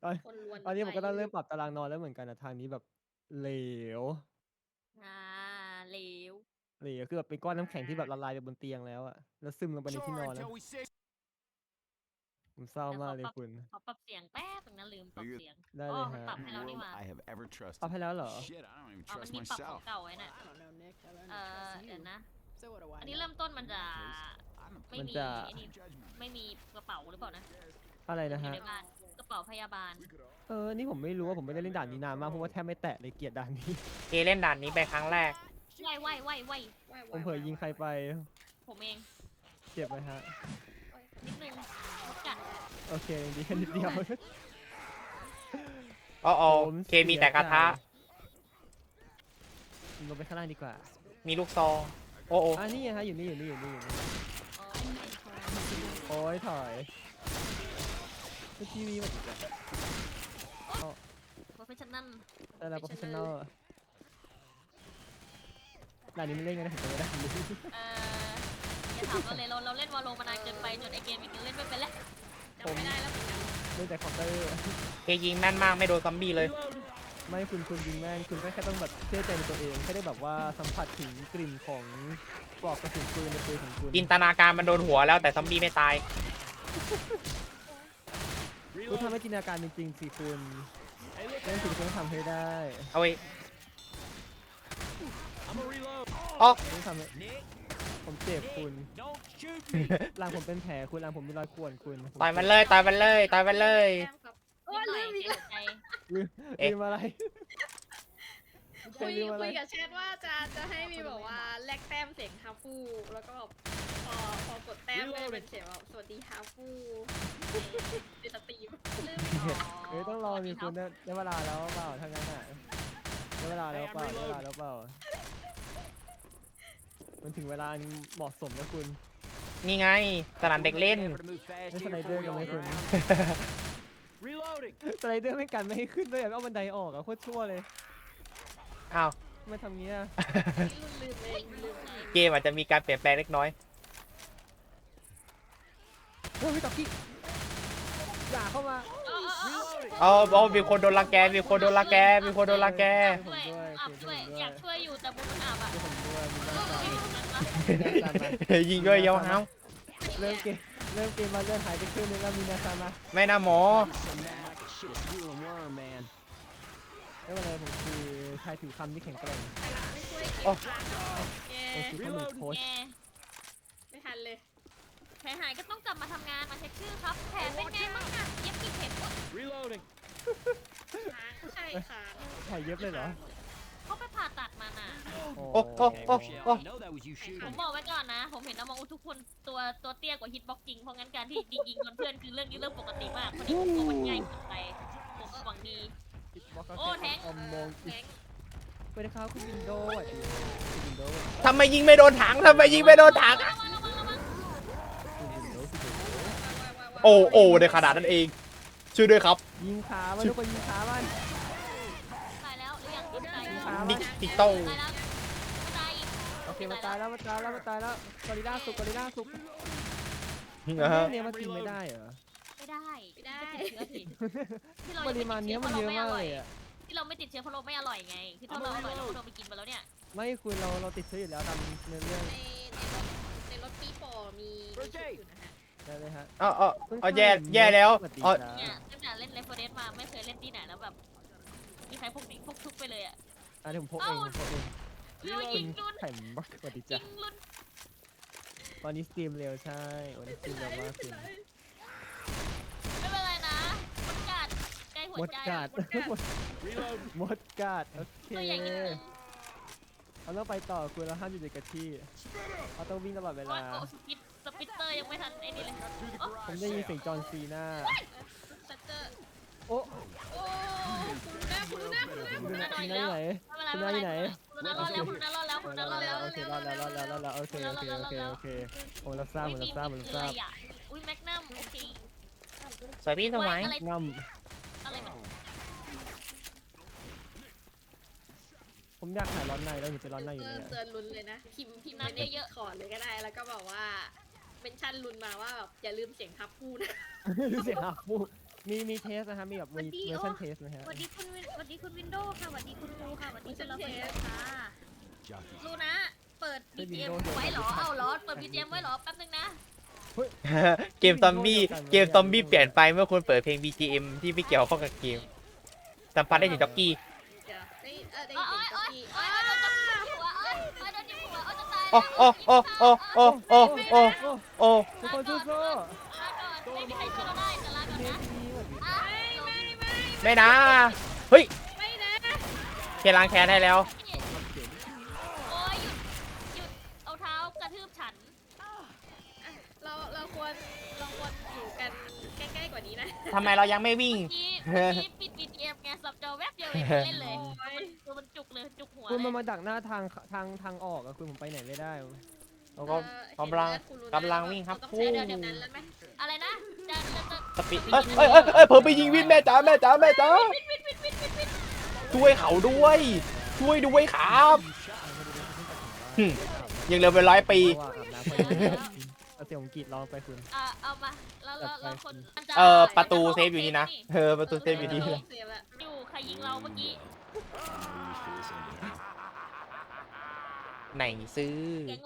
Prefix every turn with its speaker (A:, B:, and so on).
A: ตอน
B: คนล้วน
A: ตอนนี้ผมก็ต้องเริ่มป
B: ไป
A: รับตารางนอนแล้วเหมือนกันนะทางนี้แบบเหลว
B: อ่าเหลว
A: เหลวคือแบบเป็นก้อนน้ำแข็งที่แบบละลายไปบนเตียงแล้วอะแล้วซึมลงไปในที่นอนแล้วผมเศร้า
B: เดี๋ยว
A: มากเลยคุณ
B: ขอปรับเสียงแป๊บนึงนะลืมปรับเสียง
A: ได้
B: อ๋อ
A: เลยฮะ
B: มันปรับให้เรานี่
C: world
B: หว่า
C: I have ever
A: ปรับ
C: trusted.
A: ให้แล้วเหรอ
C: Shit, I don't even
B: อ๋อมัน
C: trust
B: มีปรับของ
C: myself.
B: เก่าไว้น่ะ
D: I don't know, Nick. I only trust
B: เดี๋ยว
D: you.
B: นะ
D: So what do
B: อั
D: I
B: นนี้
D: know?
B: เริ่มต้นมัน
C: In
B: จะ
C: that case, I'm a
B: ไม่
A: มัน
B: มี
A: จะ
B: ไอ้นี่
C: judgment.
B: ไม่มีกระเป๋าหรือเปล่านะ
A: อะไร
B: มัน
A: นะ
B: อยู่
A: ฮะ
B: ในบ้านกระเป๋าพยาบาล
A: นี่ผมไม่รู้ว่าผมไม่ได้เล่นด่านนี้นานมากเพราะว่าแทบไม่แตะเลยเกลียดด่านนี้
E: เกเล่นด่านนี้ไปครั้งแรก
B: ไหว
A: ผมเผลอยิงใครไป
B: ผมเอง
A: เจ็บไหมฮะ
B: นิดนึงมดกัด
A: โอเคดีแค่นิดเดียว
E: อ๋อ
A: ผม
E: เคมีแต่กระทะ
A: ลงไปข้างล่างดีกว่า
E: มีลูกซอง โอ้
A: นี่ฮะอยู่นี่
B: โอ้ย
A: โอ้ยถอยคือทีวีมันอีกแล้ว
B: โปรเฟชชั่นนั่น
A: แต่เราโปรเฟชชั่นแนลด่านนี้ไม่เล่นกันนะผมจะไม่ได้
B: อย่าถามเราเลยเราเล่นวอลโลมานานเกินไปจนไอเกมอีกเล่นไม่เป็นแล้วจำไม่ได้แล้วเหมือนกัน
A: เล่นแต่คอมเตอร์
E: เคยิงแม่นมากไม่โดนซอมบี้เลย
A: ไม่คุณยิงแม่นคุณก็แค่ต้องแบบเชื่อใจในตัวเองแค่ได้แบบว่าสัมผัสถึงกลิ่นของปลอกกระสุนปืนในปืนของคุณ
E: จินตนาการมันโดนหัวแล้วแต่ซอมบี้ไม่ตาย
A: คุณทำให้จินตนาการเป็นจริงสิคุณเล่นสิ่งที่ต้องทำให้ได้
E: เอาไว้อ๋อ
A: ต้องทำให้ผมเจ็บคุณหลังผมเป็นแผลคุณหลังผมมีรอยข่วนคุณ
E: ต่อยมันเลย ต่อยมันเลย ต่อยมันเลย
B: โอ้ยลืมอีกแล้วใจ
A: ลืมอะไร
D: คุย
A: ลืมอะไร
D: กับแชทว่าจะให้มีแบบว่าแลกแต้มเสียงฮาฟูแล้วก็แบบพอกดแต้มได้เป็นเสียงแบบสวัสดีฮาฟูในสตรีมลืม
A: ต้องรอมีคุณได้เวลาแล้วเปล่าทางนั้นอ่ะได้เวลาแล้วเปล่ามันถึงเวลาเหมาะสมแล้วคุณ
E: นี่ไง สนามเด็กเล่น
A: ไม่สไลเดอร์กันไหมคุณสไลเดอร์ไม่กันไม่ให้ขึ้นด้วยเอาบันไดออกอะโคตรชั่วเลย
E: อ้าว
A: ไม่ทำเงี้ย
D: ลืมเองลืม
E: เกมอาจจะมีการเปลี่ยนแปลงเล็กน้อย
A: พี่ตอกกี้อย่าเข้ามา
E: มีคนโดนรังแก มีคนโดนรังแก มีคนโดนรังแก
B: ด้วยอยากช่วยอยู่แต่บุญมันอับอ่ะ
A: ผมด้วยมีน้ำตา
E: ยิงด้วยเยาห้าว
A: เริ่มเกมมาเลื่อนหายไปครึ่งนึงแล้วมีนาซามา
E: ไม่นะหมอ
A: ไม่เป็นไรผมคือชายถือคำที่แข็งแกร่ง
D: ไม่ช่วย
E: โอ้
A: ผมคือข้อมือโค้ช
B: แก
D: ไม่ทันเลย
B: แผลหายก็ต้องกลับมาทำงานมาเช็คชื่อครับแผลเป็นไงบ้างอะเย็บกี่เข็ม
D: ใช่ค่ะ
A: แผลเย็บเลยเหรอ
B: เขาไปผ่าตัดมาน่ะ
E: โอ้
B: ผมบอกไว้ก่อนนะ ผมเห็นน้องทุกคนตัวเตี้ยกว่าฮิตบ็อกกิ้งเพราะงั้นการที่ยิงโดนเพื่อนคือเรื่องปกติมากคนนี้ผมกลัวมันง่ายเกินไปผมหวังดี โอ้แทง
A: อมมอง
D: แก๊ง
A: ไปนะครับคุณวินโดว์คุณวินโดว์
E: ทำไมยิงไม่โดนถัง ทำไมยิงไม่โดนถัง
B: ระวัง
A: คุณวินโดว์
E: โอ้ในขนาดนั้นเอง ช่วยด้วยครับ
A: ยิงขามันทุกคนยิงขามัน
B: ตายแล้วหรือยังตาย
A: ยิง
B: แล้ว
A: ขา
E: ดิ
A: มัน
E: จิตอล
B: ตายแล้วไม่ตายอีก
A: โอเคมันตายแล้วกอริลล่าสุก
E: นะฮะ
A: เนี่ยมันกินไม่ได้เหรอ
B: ไม่ได้ติดเชื้อสิที่เรา
A: ปริมาณเนี้ยมันเยอะมากเลยอ่ะ
B: ที่เราไม่ติดเชื้อเพราะเราไม่อร่อยไงที่ถ้าเราอร่อยเราก็โดนไปกินมาแล้วเนี่ย
A: ไม่คุณเราติดเชื้ออยู่แล้วตามเรื่อง
D: ในรถปีโป้มีชุดอยู่นะฮะ
A: ได้เลยฮะ
E: แย่แล้ว
A: สวัสดี
E: อ๋อ
A: ครับ
B: เนี่ยตั้งแต่เล่นเลฟเฟอร์เดสมาไม่เคยเล่นที่ไหนแล้วแบบมีใครพกทุกไปเลยอ่ะ
A: เดี๋ยวผมพกเอง
B: เรายิงรุน
A: ไข่บักสวัสดี
B: ยิ
A: จ้ะ
B: งรุน
A: วันนี้สตรีมเร็วใช่วันนี้สตรีมเร็วมากคุณ
B: ไม่เป็นไรนะมดกัดใกล้หัว
A: มด
B: ใจ
A: กัดมดกัดโอเค
B: ตัวใหญ่นิดนึง
A: เราต้องไปต่อคุณเราห้ามอยู่กับที่เราต้องวิ่งตลอดเว
B: โอ้
A: ลา
B: ยโอ้สปิตเตอร์ยังไม่ทันไอ้นี่เลยโอ้
A: ผมได้ยินเสียงจอห์นซีน่า
D: ชัตเตอร์
A: โอ้
D: โอ้คุณดูหน้า
A: คุณน่าอยู่ไหน
B: ไม่เป็นไรคุณน่ารอดแล้วคุณน่ารอดแล้วคุณน่ารอดแล้ว
A: โอเครอดแล้วโอเคผมรับทราบ
B: อุ้ยแมกนัมโอเค
E: สวยพี่สมัย
B: อะไร
A: ง่
B: อะไรมัน
A: ผมอยากหายร้อนในแล้วอยู่เป็นร้อนในอยู่เลย
D: เตือนลุ้นเลยนะพิมพ์มาเยอะๆขอเลยก็ได้แล้วก็บอกว่าเป็นชั้นลุ้นมาว่าแบบอย่าลืมเสียงทับพูดนะ
A: เสียงหักพูดมีเทสนะครับมีแบบมีเวอร์ชันเทสนะฮะ
B: สวัสดีคุณวินโดว์ค่ะสวัสดีคุณครูค่ะสวัสดีคุณเราเป็นค่ะลูนะเปิด BGM ไว้เหรอเอาเหรอเปิด BGM ไว้เหรอแป๊บนึงนะ
E: เกมซอมบี้เปลี่ยนไปเมื่อคุณเปิดเพลง BGM ที่ไม่เกี่ยวข้องกับเกมสัมผัสได้ถึงจ็อกกี้
D: เดี๋ยวได้ยิน
B: โอ๊
D: เสียง
B: ย
D: จ็อก
B: โอ๊ย
D: กี้
B: โอ๊ยโดนจับหัวโอ๊ยโดนจับหัวโอ๊ยจะตาย
E: โอ้โอ้โอ้โอ้โอ้โอ้โอ้โอ้
A: ทุกคนสู้
B: ลาก่อนไม่มีใครช่วยเราได้แต่ลาก่อน
A: ๆเท
B: นะ
A: สดีสวัสดี
B: อ่ะ
E: ไม่นะเฮ้ย
D: ไม่นะ
E: เคล้างแค้นให้แล้ว
B: โอ๊ยหยุดเอาเท้ากระทืบฉัน
D: เราควรอยู่กันใกล้ๆกว่านี้นะ
E: ทำไมเรายังไม่วิ่ง
B: เมื่อกี้ปิด BGM ไงสับจอแวบเดียวเองเล่นเลยตัวมันจุกเลยจุกหัว
A: คุณ
B: เล
A: มาย มาดักหน้าทางออกอะคุณผมไปไหนไม่ได้
E: เราก็กำลังวิ่งครับ
D: ต้องใช้เรือดำน้ำแล้วไหม
B: อะไรนะจะ
E: สปีดเอ้ยเพิ่มไปยิงวินแม่จ๋าช่วยเขาด้วยช่วยด้วยครับยังเหลือเป็น100 ปี
A: ว่าอาบน้ำไปเอาเสียงของกีดร้องไปคุณ
B: เอามาแล้วคน
E: ประตูเซฟอยู่นี่นะประตูเซฟอยู่นี่
D: เสียละ
B: อยู่ใครยิงเราเมื่อกี้
E: ไหนซื้อ